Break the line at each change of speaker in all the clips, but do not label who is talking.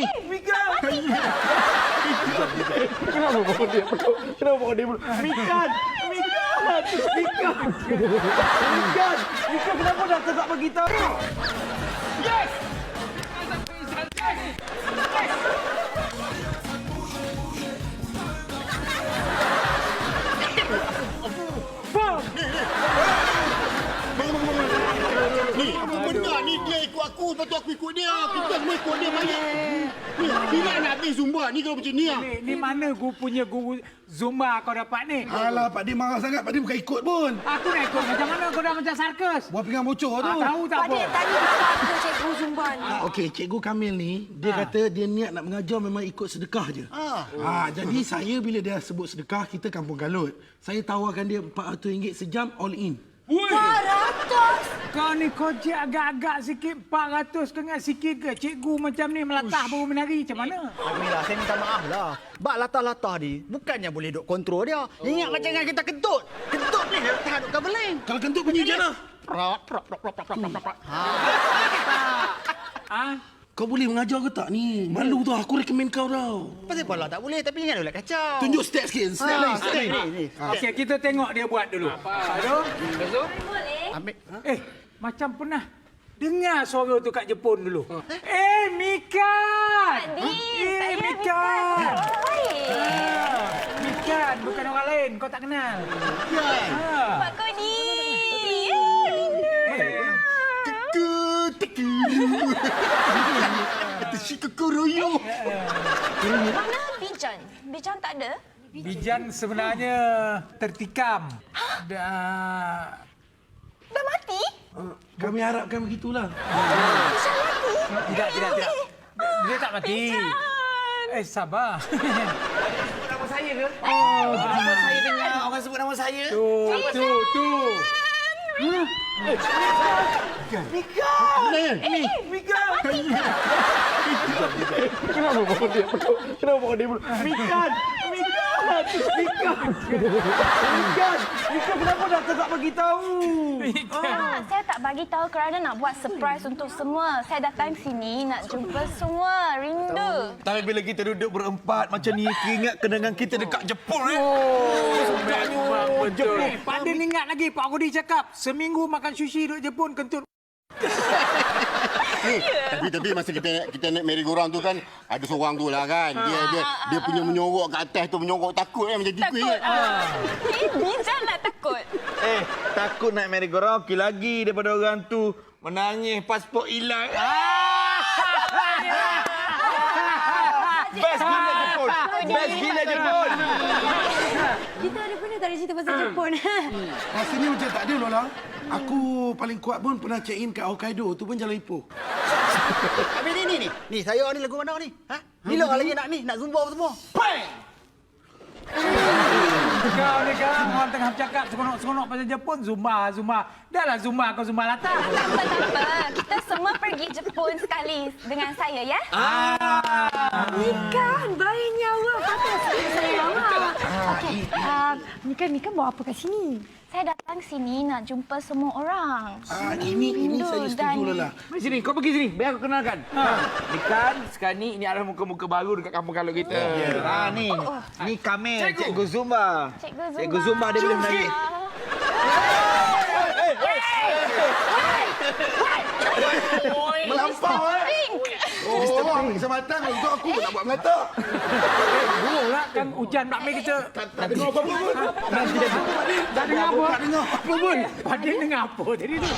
Mika! Kenapa bawa dia peluk? Kenapa bawa dia peluk? Mika! Mika, kenapa doktor tak bagi tahu? Yes!
Ni, apa benda ni? Dia ikut aku, lepas tu aku ikut dia. Kita semua ikut dia banyak. Ni, bila nak habis Zumba ni kalau macam ni?
Ni mana punya guru Zumba kau dapat ni?
Alah, Pak Din marah sangat. Pak Din bukan ikut pun.
Aku nak ikut. Macam mana kau dah macam sarkas?
Buat pinggang bocor tu.
Tahu tak
Pak
apa?
Din, tadi apa cikgu Zumba ni?
Okey, Cikgu Kamil ni, dia kata dia niat nak mengajar memang ikut sedekah je. Jadi saya bila dia sebut sedekah, kita kampung Galut. Saya tawarkan dia RM400 sejam all in.
400!
Kau ni kojek agak-agak sikit. 400 kau ingat sikit ke? Cikgu macam ni melatah baru menari. Macam mana?
Alhamdulillah, saya minta maaf lah. Bak latah-latah ni, bukannya boleh duk kontrol dia. Ingat macam dengan kita kentut. Kentut ni dia tahan duk kabeling.
Kalau kentut bunyi je lah.
Ha?
Kau boleh mengajar ke tak ni? Malu tau, aku rekomen kau tau.
Pasal pala tak boleh, tapi jangan ulat kacau.
Tunjuk step sikit, step lain, step lain.
Ni.
Okey, kita tengok dia buat dulu. Aduh.
Boleh?
Ambil.
Macam pernah dengar suara tu kat Jepun dulu. Mika!
Saya
Mika!
Baik.
Mika, bukan orang lain. Kau tak kenal.
Pak Kodi.
Kata si kekoroyo.
Mana Bijan? Bijan tak ada?
Bijan sebenarnya tertikam. Dah...
Dah mati?
Kami harapkan begitulah.
Bijan mati?
Tidak. Dia tak mati. Sabar.
Nama saya ke?
Nama saya dengar orang sebut nama saya.
Tu.
Mika! Kenapa bawa dia peluk? Mika, kenapa doktor tak bagi tahu?
Saya tak bagi tahu kerana nak buat surprise untuk semua. Saya datang sini nak jumpa semua. Rindu.
Tapi bila kita duduk berempat macam ni, ingat kenangan kita dekat Jepun
Memang betul. Pak Din ingat lagi Pak Kodi cakap seminggu makan sushi duduk Jepun kentut.
Tapi masa kita naik merry-go-round tu kan, ada seorang tu lah kan. Dia punya menyorok kat atas tu, menyorok takut kan macam gitu kan.
Bijan nak takut.
Takut naik merry-go-round, okey lagi daripada orang tu menangis pasport hilang. Best gila Jepun.
Kita ada pernah tak ada cerita pasal Jepun?
Rasanya macam tak ada, Lola. Aku paling kuat pun pernah check in kat Hokkaido. Tu pun jalan Ipoh.
Habis ni. Ni saya ni lagu mana ni? Ha? Bila lagi nak Zumba semua?
Kau ni kan orang tengah bercakap seronok-seronok pasal Jepun. Zumba. Dahlah Zumba kau Zumba latar.
Tak apa. Kita semua pergi Jepun sekali dengan saya, ya? Kan, baiknya awak. Patut saya awak. Okey, Mika bawa apa kat sini? Saya datang sini nak jumpa semua orang.
Ini saya setuju, Lola.
Mari sini, kau pergi sini. Biar aku kenalkan. Ni kan, sekarang ni ini adalah muka-muka baru dekat kampung Galut kita.
Ni Kamil, Cikgu Zumba. Cikgu Zumba dia boleh menari.
Melampau, Keselamatan untuk aku nak buat melata.
Burung lah kan hujan bakmi kita.
Tak dengar apa-apa pun.
Tak dengar apa?
Tak dengar apa pun.
Pak Din dengar apa tadi tu?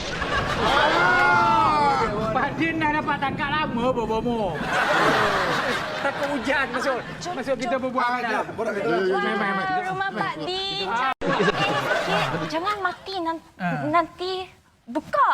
Pak Din dah dapat tangkap lama bobo. Takut hujan masuk kita berbual dah.
Rumah Pak Din. Jangan mati nanti buka.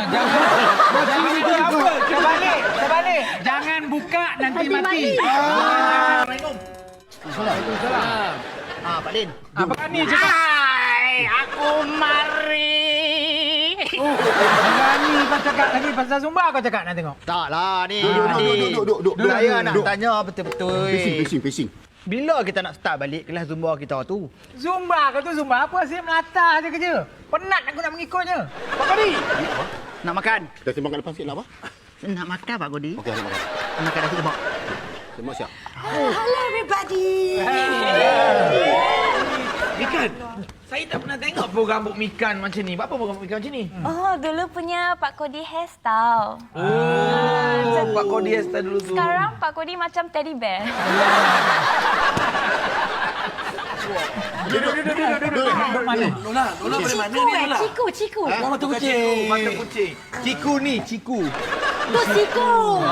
Terbalik. Jangan buka nanti mati.
Assalamualaikum.
Waalaikumsalam.
Pak Din.
Apa ni cakap?
Aku mari.
Berani kau cakap lagi pasal Zumba kau cakap nak tengok.
Taklah ni.
Duduk.
Saya nak tanya betul-betul.
Pacing.
Bila kita nak start balik kelas Zumba kita tu?
Zumba kau tu Zumba apa sih melata je kerja. Penat aku nak mengikutnya. Pak Kodi.
Nak makan?
Kita sembang kat depan sikit lah, apa?
Nak makan Pak Kodi.
Okey, nak makan.
Makan nasi lemak.
Terima siap.
Hello everybody.
Mikan, saya tak pernah tengok program rambut Mikan macam ni. Apa program rambut Mikan macam ni?
Oh, dulu punya Pak Kodi hairstyle.
Pak Kodi hairstyle dulu tu.
Sekarang Pak Kodi macam teddy bear.
Duduk mana?
Lola boleh mana
Ciku
ni Lola?
Ciku.
Mata kucing. Mata kucing. Ciku ni, Ciku.
Tu Ciku.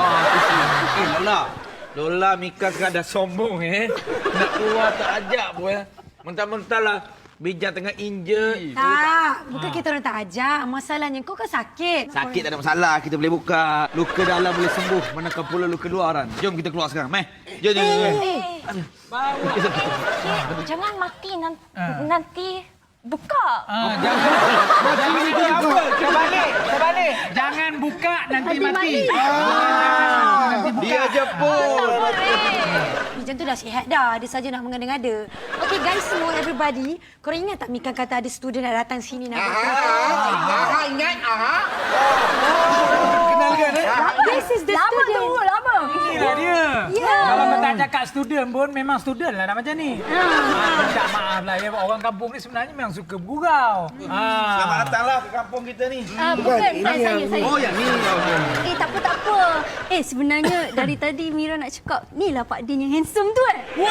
Lola Mika sekarang dah sombong Nak keluar tak ajak pun Mentah-mentah lah. Bija tengah injet.
Tak, bukan kita orang tak ajak. Masalahnya kau kan sakit.
Sakit tak ada masalah. Kita boleh buka. Luka dalam boleh sembuh. Manakah pula luka luaran. Jom kita keluar sekarang. Meh. Jom.
Jangan mati nanti buka.
Terbalik. Jangan buka nanti mati.
Dia je pun.
Macam tu dah sihat dah. Dia saja nak mengada-ngada. Okay guys semua, everybody. Korang ingat tak Mika kata ada student nak datang sini nak
Ingat?
Kenal kan
This is the student.
Lama.
Inilah dia.
Ya.
Kalau kau tak cakap student pun, memang student lah nak macam ni. Minta maaf lah ya. Orang kampung ni sebenarnya memang suka bergurau.
Selamat datanglah ke kampung kita ni.
Bukan, saya.
Oh, yang ni.
Tak apa. Sebenarnya dari tadi Mira nak cakap, ni lah Pak Din yang handsome tu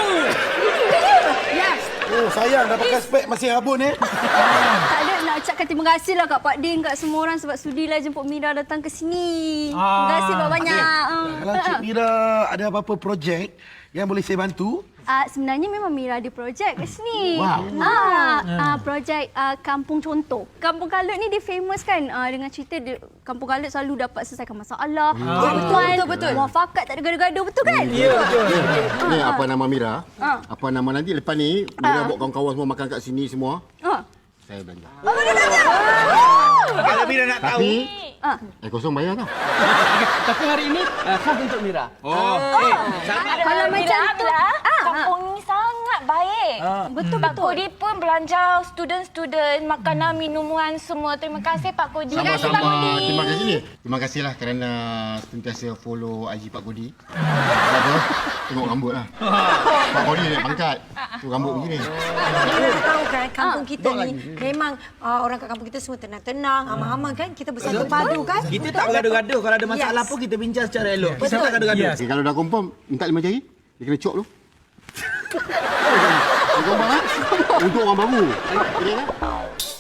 Yes.
Oh, sayang dah pakai spek masih rabun
Tak ada, nak ucapkan terima kasih lah kat Pak Din, kat semua orang sebab sudilah jemput Mira datang ke sini. Terima kasih banyak-banyak.
Kalau Cik Mira ada apa-apa projek yang boleh saya bantu,
Sebenarnya memang Mira ada projek kat sini.
Wow.
Projek Kampung Contoh. Kampung Kalut ni dia famous kan dengan cerita Kampung Kalut selalu dapat selesaikan masalah. Betul. Muafakat tak ada gaduh-gaduh, betul kan?
Ya, betul.
Ni apa nama Mira? Apa nama nanti lepas ni Mira bawa kawan-kawan semua makan kat sini semua. Saya belanja.
Kalau Mira nak tahu.
Tapi kosong bayar tau.
Tapi hari ini khas untuk Mira.
Kalau macam tu,
Kampung ni sangat baik.
betul.
Pak Kodi pun belanja student-student makanan, minuman semua. Terima kasih Pak Kodi.
Sama-sama. Terima kasih ni. Terima kasihlah kerana sentiasa follow IG Pak Kodi. Apa? Tengok rambut lah. Pak Kodi naik pangkat. Tu rambut begini.
Kita tahu kan kampung kita ni memang orang kat kampung kita semua tenang-tenang, aman-aman kan? Kita bersatu padu kan?
Kita tak bergaduh-gaduh. Kalau ada masalah pun kita bincang secara elok. Kita tak gaduh-gaduh.
Okay, kalau dah confirm, minta 5 jari. Dia kena cop tu. Dia confirm kan? Untuk orang baru. Okay kan?